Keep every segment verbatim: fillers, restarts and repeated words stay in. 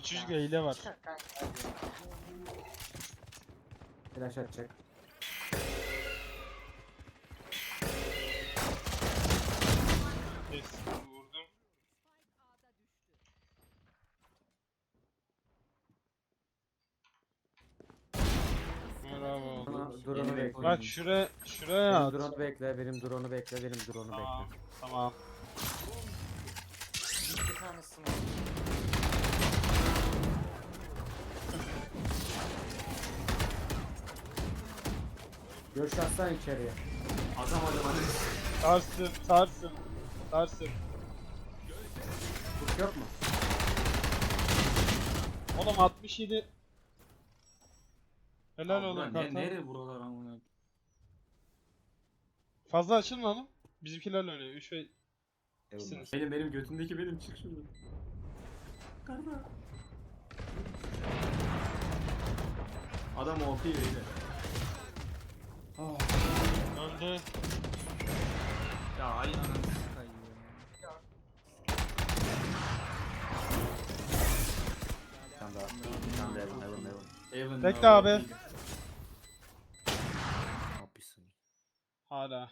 Çocuk hile var. Flash atacak. Yes, vurdum. Bravo. Bana drone'u bekle. Bak şuraya şuraya Benim at. drone'u bekle, benim drone'u bekle, benim drone'u Tamam. bekle. Tamam. Bir tanesi var. Görüş atsan içeriye. Adam adam adam. Sarsın, sarsın. Sarsın. Kurt yok mu? Oğlum altmış yedi. Helal Abi oğlum ne, kartal. nere buralar amına? Fazla açılma oğlum. Bizimkilerle oynuyor. üç ve ikisiniz. Benim benim götümdeki benim çık şuradan. Karda. Adam O P öyle. Öldü. Ya ay ananı kayıyor. Sen daha. Sen de Evan, Evan, Evan. Evan Bekle abi. Ne yapıyorsun? Hala.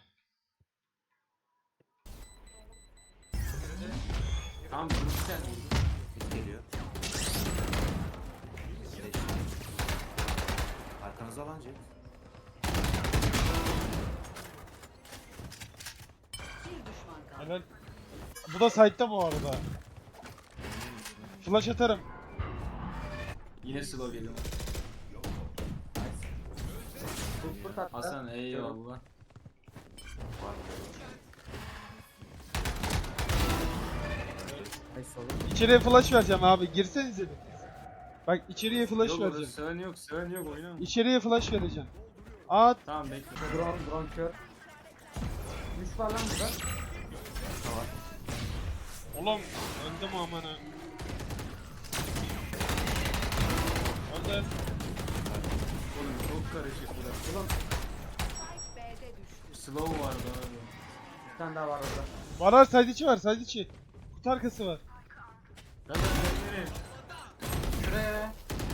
Tamam dur sen. Mid geliyor. Arkanızda lan Jet. Helal. Bu da site'ta bu arada. Flash atarım. Yine slow geliyor. Kurt kurt attı. Hasan eyvallah. Nice oğlum. İçeriye flash vereceğim abi. Girsenize bir. Bak içeriye flash Yok orada vereceğim. söven yok söven yok oynama. İçeriye flash vereceğim. At. Tamam bekle. Drone, drone kör. Üç var lan burada. Oğlum öldüm amına. Öldü. Oğlum çok karışık burası. Oğlum Slow vardı abi. bir tane daha var orada. Var var side içi var side içi. Kutu arkası var. Ben de nereye? Şuraya.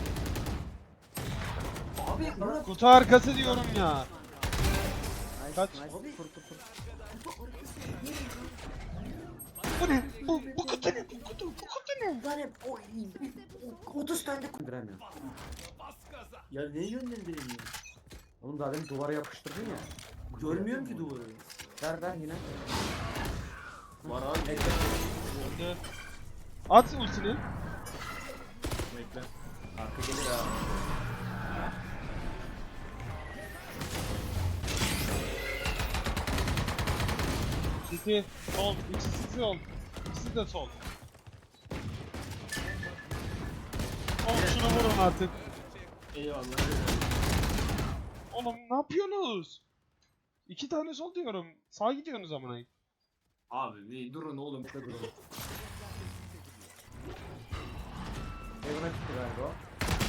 Abi Murat. Kutu arkası diyorum ya. Nice, Kaç? nice. Kurt kurt kurt. Bu ne? Bu, bu kutu ne? Bu kutu, bu kutu ne? Var hep o otuz tane de Indiremiyorum. Ya ne yönlendireyim? Oğlum daha demin duvara yapıştırdın ya. Görmüyorum ki duvarı. Ver ver yine. Var abi. Bekle. Öldü. At ultini. Bekle. Arka gelir ha. City sol. İkisi sol. İkisi de sol. Oğlum şunu vurun artık. Eyvallah. Oğlum ne yapıyorsunuz? İki tane sol diyorum. Sağa gidiyorsunuz amına. Abi bir durun oğlum. Bekle durun. Evan'a gitti galiba o.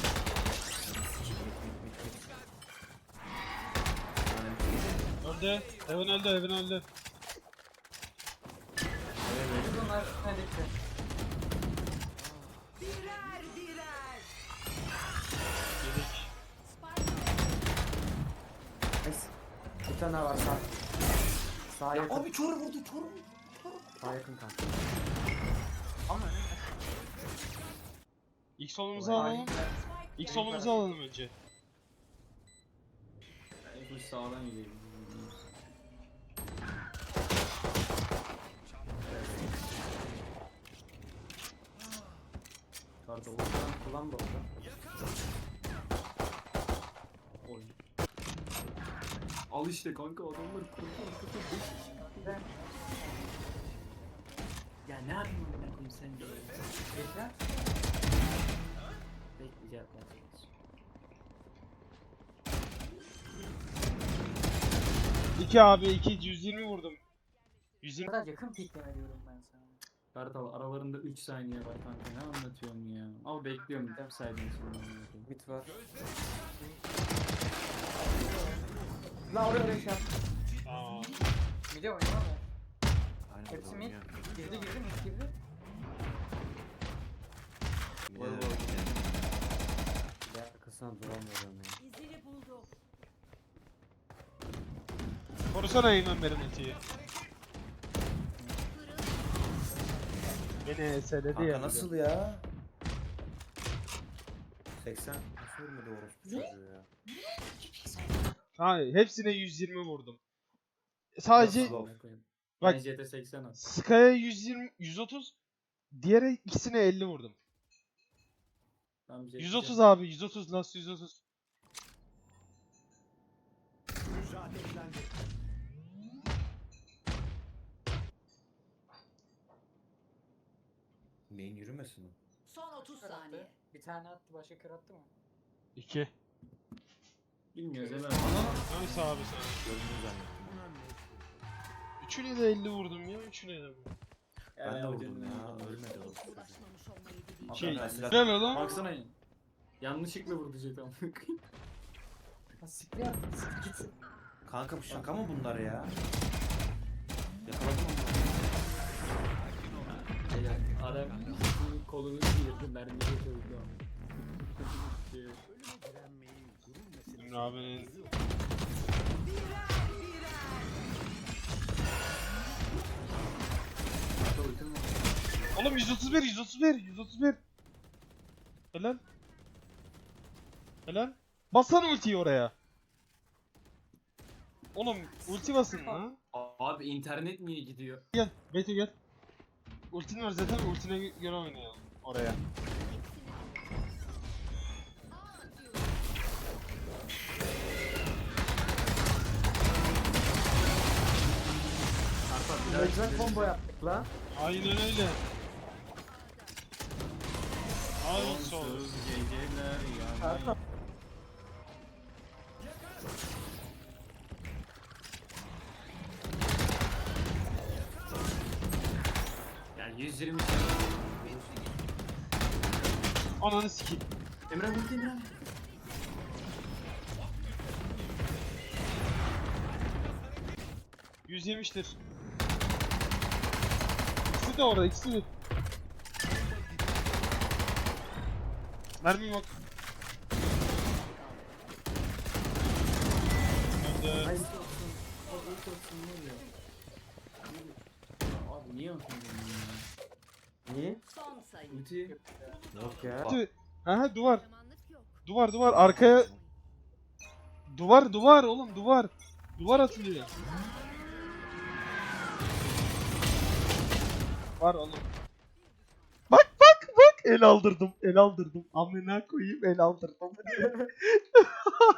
Öldü. Evan öldü. Evan öldü. bunlar ne bitti. Yedik. Nice. Bir tane daha var sağ. Sağ yakın. Abi kör vurdu kör vurdu. Sağ yakın kanka. Ama ne? İlk solumuzu alalım. İlk solumuzu alalım önce. Bu sağdan gidelim. Karda o zaman kullan da orada. Oy. Al işte kanka adamlar kurtar kurtar. Ya ne yapayım amına koyayım sen de. Bekle. Bekleyeceğim ben. İki abi iki yüz yirmi vurdum. yüz yirmi. Kadar yakın pikleme diyorum ben sana. Kartal aralarında üç saniye var kanka ne anlatıyorsun ya. Ama bekliyorum bir saydın şimdi. Mid var. La oraya bir şey yap. Aa. Bir de oynar mı? Aynen Hepsi burada mid. oynuyor. Girdi girdi mid girdi. Yine arkasına duramıyorum ya. İzini buldum. Korusana Eymen benim ultiyi. Beni eseledi Kanka ya. nasıl ya? seksen nasıl ölmedi orospu çocuğu ya? Ha, hepsine yüz yirmi vurdum. Sadece Nasıl? Amına koyayım. Bak- Ben J T seksen at. Sky'a yüz yirmi, yüz otuz, diğer ikisine elli vurdum. Tamam, J T yüz otuz abi, yüz otuz, last yüz otuz. Main yürümesin o. Son otuz Kör attı. saniye. Bir tane attı, başka kör attı mı? iki. Bilmiyoruz hemen. Neyse abi sen. Gördüğünü zannettim. Üçüne de elli vurdum ya, üçüne de vurdum. Ben de Ya, vurdum canım ya. Ölmedi orospu çocuğu. Uğraşmamış olmayı bileyim. Hakan Şey, ben silah- gel oğlum. Baksana ya. Yanlışlıkla vurdu J T amına koyayım. Ha siktir attı, siktir git. Kanka bu şaka mı bunlar ya? Yakaladım onu. Beyler, Adam kolunu sıyırdı, mermiye koydu. Emre abinin Hatta ultim var. Oğlum yüz otuz bir, yüz otuz bir, yüz otuz bir. Helal. Helal. Bassana ultiyi oraya. Oğlum ulti basın lan. Abi internet niye gidiyor? Gel, Beti gel. Ultin var zaten, ultine göre oynayalım oraya. Sarpa biraz Güzel combo yaptık lan. Aynen öyle. Ay sol. Sonsuz geceler Sarpa. yanmayı. Yani yüz yirmi Ananı sikeyim. Emre vurdu Emre. yüz yemiştir. İkisi de orada, ikisi de. Mermi yok. Nerede? Ay, Abi niye atıyorsun ya? niye? Son sayı. Ulti. Yok ya. Tüh. Aha duvar. Zamanlık yok. Duvar duvar arkaya. Duvar duvar oğlum duvar. Duvar atılıyor. Var oğlum. Bak bak bak el aldırdım el aldırdım. Amına koyayım el aldırdım.